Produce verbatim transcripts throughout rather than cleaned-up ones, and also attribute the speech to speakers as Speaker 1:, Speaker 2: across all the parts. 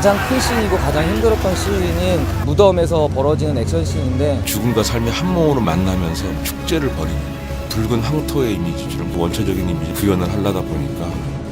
Speaker 1: 가장 큰 씬이고 가장 힘들었던 씬인 무덤에서 벌어지는 액션씬인데,
Speaker 2: 죽음과 삶의 한몸으로 만나면서 축제를 벌이는 붉은 황토의 이미지처럼 원초적인 이미지 구현을 하려다 보니까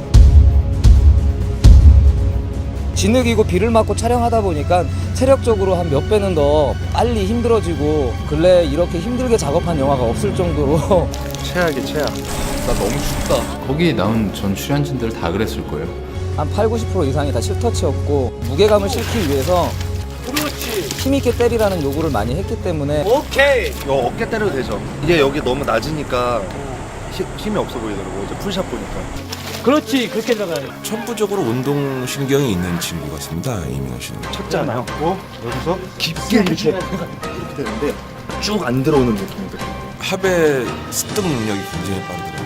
Speaker 1: 진흙이고 비를 맞고 촬영하다 보니까 체력적으로 한 몇 배는 더 빨리 힘들어지고, 근래 이렇게 힘들게 작업한 영화가 없을 정도로
Speaker 3: 최악이 최악. 나 너무 춥다.
Speaker 4: 거기에 나온 전 출연진들 다 그랬을 거예요.
Speaker 1: 한 팔, 구십 퍼센트 이상이 다 실터치였고, 무게감을 실기 위해서 힘있게 때리라는 요구를 많이 했기 때문에
Speaker 3: 오케이. 요 어깨 때려도 되죠. 이게 여기 너무 낮으니까 히, 힘이 없어 보이더라고. 이제 풀샷 보니까.
Speaker 5: 그렇지, 그렇게 들어가요.
Speaker 2: 천부적으로 운동신경이 있는 친구 같습니다. 이민호 씨는.
Speaker 3: 쳤잖아요. 어? 여기서 깊게 이렇게 이렇게 되는데 쭉 안 들어오는 느낌이 들어요.
Speaker 2: 합의 습득 능력이 굉장히 빠르더라고요.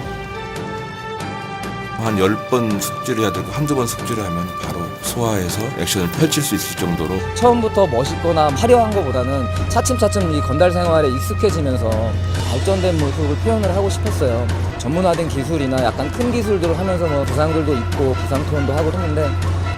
Speaker 2: 한 열 번 숙지를 해야 되고 한두 번 숙지를 하면 바로 소화해서 액션을 펼칠 수 있을 정도로
Speaker 1: 처음부터 멋있거나 화려한 것보다는 차츰차츰 이 건달 생활에 익숙해지면서 발전된 모습을 표현을 하고 싶었어요. 전문화된 기술이나 약간 큰 기술들을 하면서 뭐 부상들도 있고 부상 투혼도 하고 했는데,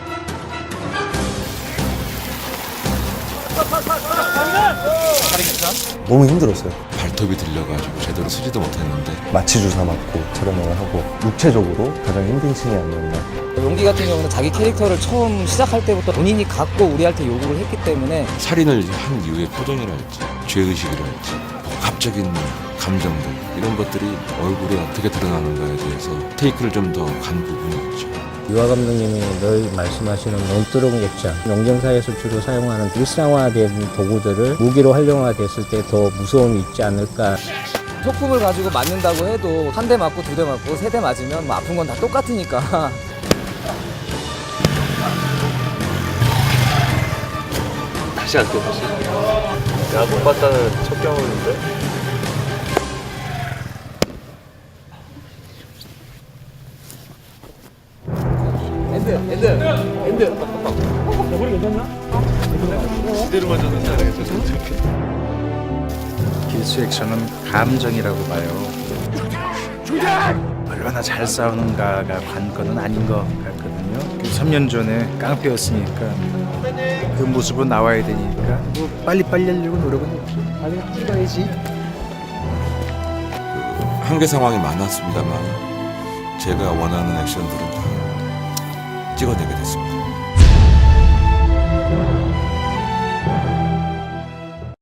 Speaker 6: 너무 힘들었어요.
Speaker 2: 발톱이 들려가지고 제대로 쓰지도 못했는데
Speaker 6: 마취 주사 맞고 촬영을 하고 육체적으로 가장 힘든 씬이 아니었나.
Speaker 1: 용기 같은 경우는 자기 캐릭터를 처음 시작할 때부터 본인이 갖고 우리한테 요구를 했기 때문에
Speaker 2: 살인을 한 이후의 표정이랄지 죄의식이랄지 복합적인 감정들 이런 것들이 얼굴에 어떻게 드러나는가에 대해서 테이크를 좀 더 간 부분이 있죠.
Speaker 7: 유화 감독님이 늘 말씀하시는 논두렁 객장, 영정사에서 주로 사용하는 일상화된 도구들을 무기로 활용화됐을 때 더 무서움이 있지 않을까.
Speaker 1: 소품을 가지고 맞는다고 해도 한 대 맞고 두 대 맞고 세 대 맞으면 뭐 아픈 건 다 똑같으니까
Speaker 3: 다시 할게 다시. 야못 봤다는 첫 경험인데. 지대로 맞았는데 알겠죠?
Speaker 8: 길수 액션은 감정이라고 봐요. 얼마나 잘 싸우는가가 관건은 아닌 것 같거든요. 삼 년 전에 깡패였으니까 그 모습은 나와야 되니까 뭐 빨리빨리 하려고 노력은 했죠. 빨리 찍어야지.
Speaker 2: 한계 상황이 많았습니다만 제가 원하는 액션들은 다 찍어내게 됐습니다.